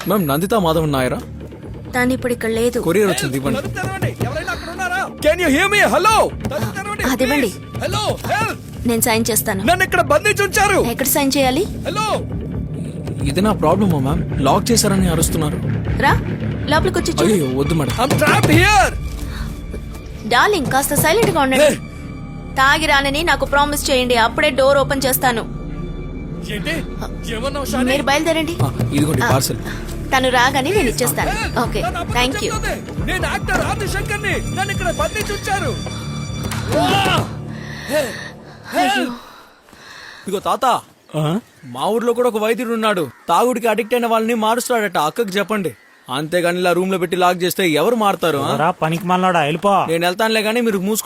Ma'am Nandita Madhav నాయరా తను ఇప్పుడు ఇక్కడ లేదు. కొరియర్ వచ్చింది ఇవ్వండి. Can you hear me? Hello, అదివ్వండి. హలో, హెల్ప్, నేను సైన్ చేస్తాను. నన్ను ఇక్కడ బంధించి ఉంచారు. ఎక్కడ సైన్ చేయాలి? హలో, ఇది నా ప్రాబ్లమా మ్యామ్? లాక్ చేశారని అరుస్తున్నారు. రా లోపలికి వచ్చి చూడు. అయ్యో వద్దు madam. I am trapped here. Darling కాస్త సైలెంట్ గా ఉండండి. తాగి రానని నాకు ప్రామిస్ చేయండి, అప్పుడే డోర్ ఓపెన్ చేస్తాను. ఏంటి ఏమన్నావు షాని? మీరు బయలుదేరండి. ఇదిగోండి పార్సల్. తను రాగానే నేను ఇచ్చేస్తాను. హెల్ప్, ఓకే, నన్ను అబద్ధం థ్యాంక్ యూ. చెప్తుంది. నేను యాక్టర్ ఆదిశంకర్ ని, నన్ను ఇక్కడ బంధించి ఉంచారు. ఇదిగో తాత, మా ఊర్లో కూడా ఒక వైద్యుడు ఉన్నాడు. తాగుడికి అడిక్ట్ అయిన వాళ్ళని మారుస్తాడట. అక్కకి చెప్పండి. అంతేగాని ఇలా రూమ్ లో పెట్టి లాక్ చేస్తే ఎవరు మారుతారు? పనికి మళ్ళా వెళ్ళిపో. నేను వెళ్తానులే గానీ మీరు మూసుకు